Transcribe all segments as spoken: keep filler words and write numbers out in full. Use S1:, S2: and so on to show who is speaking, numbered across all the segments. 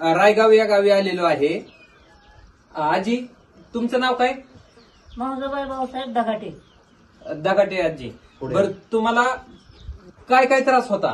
S1: रायगाव या गावी आलेलो आहे. आजी, तुमचं नाव काय?
S2: महोदय भाऊसाहेब दगाटे.
S1: दगाटे आजी. बरं, तुम्हाला काय काय त्रास होता?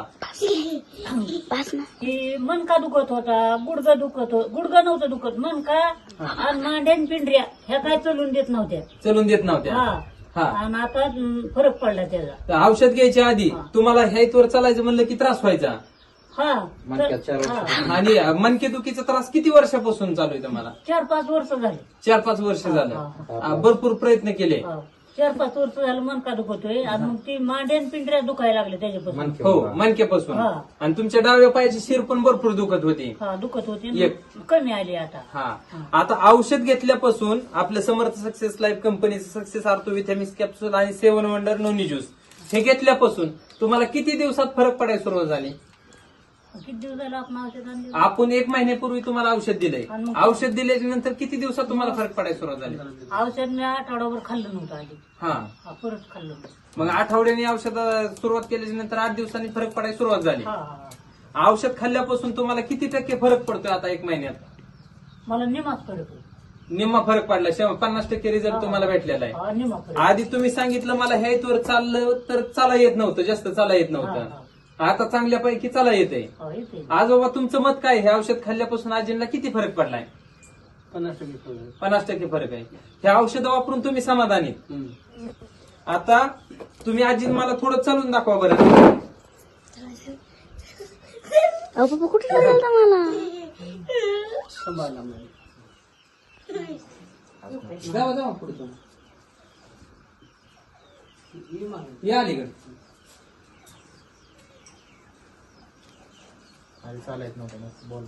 S2: की मनका दुखत होता, गुडगा दुखत होत, गुडगा नव्हतं दुखत, मनका आणि मांड्यान पिंढऱ्या ह्या काय चलून देत नव्हत्या.
S1: चलून देत नव्हत्या.
S2: हा
S1: हा.
S2: आणि आता हम्म, फरक पडला त्याचा.
S1: तर औषध घ्यायच्या आधी
S2: हा.
S1: तुम्हाला ह्याईतवर चालायचं म्हणलं की त्रास व्हायचा.
S2: हा
S3: मणक्यात चार
S2: तर-
S3: वर्ष.
S2: हा.
S1: आणि मनकेदुखीचा त्रास किती वर्षापासून चालू आहे तुम्हाला?
S2: चार पाच वर्ष झाले.
S1: चार पाच वर्ष झालं.
S2: हा,
S1: हा, भरपूर प्रयत्न केले.
S2: हा. चार पाच वर्ष झालं मनका दुखतोय आणि मग ती मांड्यान पिंढऱ्या दुखायला लागले त्याच्यापासून.
S3: मणके
S1: हो,
S3: बाबा.
S1: मनकेपासून.
S2: हा.
S1: आणि तुमच्या डाव्या पायाची शिर पण भरपूर दुखत होती.
S2: हा दुखत होती
S1: एक.
S2: कमी आली आता.
S1: हा. आता औषध घेतल्यापासून आपलं समर्थ सक्सेस लाईफ कंपनीचं सक्सेस आर्थो विथॅमिक्स कॅप्सूल आणि सेवन वंडर नोनी ज्यूस हे घेतल्यापासून तुम्हाला किती दिवसात फरक पडायला सुरुवात झाली?
S2: किती दिवस झालं आपण औषध आणले?
S1: आपण एक महिन्यापूर्वी तुम्हाला औषध दिलंय.
S2: आणि मग-
S1: औषध दिल्याच्या नंतर किती दिवसात तुम्हाला फरक पडायला सुरुवात झाली?
S2: औषध मी आठवड्याभर खाल्लं नव्हतं आधी.
S1: हा.
S2: हा, परत खाल्लं होतं.
S1: मग आठवड्याने औषध सुरुवात केल्याच्या नंतर आठ दिवसांनी फरक पडायला सुरुवात झाली.
S2: हा हा
S1: औषध खाल्ल्यापासून तुम्हाला किती टक्के फरक पडतोय आता एक महिन्यात?
S2: मला निमाच फरक आहे.
S1: निम्मा फरक पडला. शं- पन्नास टक्के रिझल्ट तुम्हाला भेटलेला आहे.
S2: हा, निमा फरक.
S1: आधी तुम्ही सांगितलं मला ह्या इथवर चाललं तर चाला येत नव्हतं, जास्त चाला येत
S2: हा,
S1: नव्हतं. आता चांगल्यापैकी चाला येते.
S2: हा, येते.
S1: आजोबा, तुमचं मत काय? हे औषध खाल्ल्यापासून आजींना किती फरक पडलाय?
S3: पन्नास टक्के फरक.
S1: पन्नास टक्के फरक आहे. हे औषध वापरून तुम्ही समाधानी?
S3: हम्म.
S1: आता तुम्ही आजी मला थोडं चालून दाखवा बरं.
S4: अहो पप्पा कुठे चालला मला?
S3: सांभाळला मला. जावा जावा पुढे जाऊ.
S1: या अलीकडे.
S3: आधी चालायच नव्हतं बोल.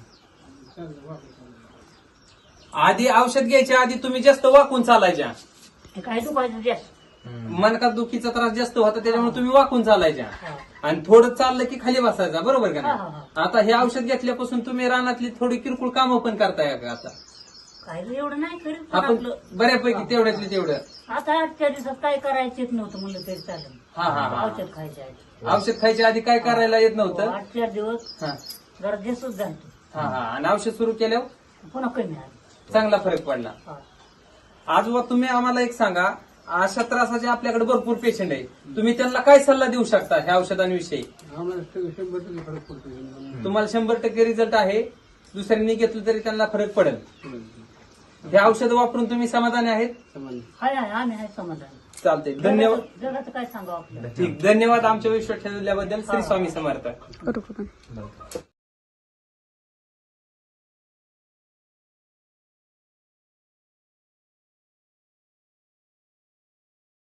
S1: आधी औषध घ्यायच्या आधी तुम्ही जास्त वाकून चालायच्या.
S2: ते काय दुखायचं जास्त.
S1: मनका दुखीचा त्रास जास्त होता त्याच्यामुळे तुम्ही वाकून चालायच्या.
S2: हा.
S1: आणि थोडं चाललं की खाली बसायचा, बरोबर का
S2: हा, हा,
S1: नाही? आता हे औषध घेतल्यापासून तुम्ही रानातली थोडी किरकोळ कामं पण करताय का आता?
S2: काय एवढं नाही करीत पण
S1: आपण
S2: आपलं.
S1: बऱ्यापैकी तेवढ्यातले तेवढं.
S2: आता आजच्या दिवसात काय करायचंच नव्हतं म्हणलं तरी चालेल.
S1: हा, हा, हा.
S2: औषध खायचे आधी.
S1: औषध खायच्या आधी काय करायला येत नव्हतं?
S2: आठ चार दिवस
S1: हा,
S2: जरा जास्तच झालतो.
S1: हा, हा. आणि औषध सुरू केल्यावर
S2: पुन्हा कमी आली.
S1: चांगला फरक पडला.
S2: हा.
S1: आजोबा, तुम्ही आम्हाला एक सांगा, अशा त्रासाचे आपल्याकडे भरपूर पेशंट आहे, तुम्ही त्यांना काय सल्ला देऊ शकता ह्या औषधांविषयी?
S3: आम्हाला शंभर टक्के फरक पडतो.
S1: तुम्हाला शंभर टक्के रिझल्ट आहे, दुसऱ्यांनी घेतलं तरी त्यांना फरक पडेल. हे औषध वापरून तुम्ही समाधानी आहेत?
S3: समान.
S2: हाय हाय आम्ही हाय समाधान.
S1: चालते. धन्यवाद.
S2: जगाचं जगाचं काय सांगावं आपल्याला.
S1: ठीक, धन्यवाद आमच्या विश्वास ठेवल्याबद्दल. श्री स्वामी समर्थ.
S4: करू का पण?